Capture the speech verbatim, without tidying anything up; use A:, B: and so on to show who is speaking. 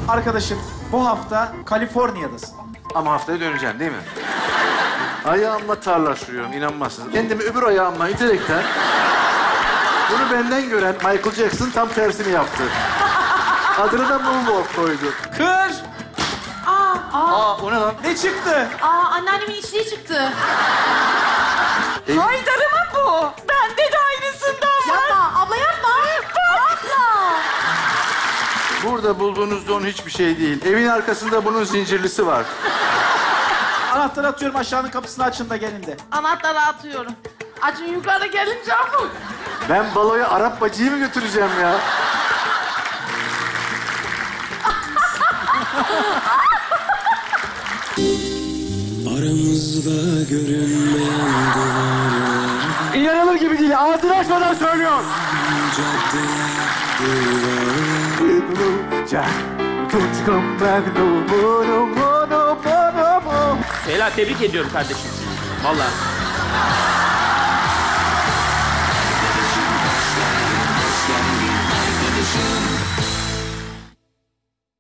A: Arkadaşım bu hafta Kaliforniya'dasın.
B: Ama haftaya döneceğim değil mi? Ayağımla tarla sürüyorum, inanmazsınız. Kendimi öbür ayağımla iterekten... Bunu benden gören Michael Jackson tam tersini yaptı. Adını da Moonwalk koydu.
A: Kır!
C: Aa, aa,
B: Aa, o ne lan?
A: Ne çıktı?
C: aa, anneannemin içliği çıktı.
B: E,
C: Haydar'ımın bu. Bende de aynısından var. Yapma, abla yapma. Abla.
B: Burada bulduğunuz don hiçbir şey değil. Evin arkasında bunun zincirlisi var.
A: Anahtarı atıyorum, aşağının kapısını açın da gelin de.
C: Anahtarı atıyorum. Açın yukarı gelince ama.
B: Ben baloya Arap bacıyı mı götüreceğim ya?
D: Aramızda görünmeyen duvarlar.
B: İnanılır gibi değil. Ağzını açmadan söylüyor.
E: Leyla tebrik ediyorum kardeşim. Vallahi.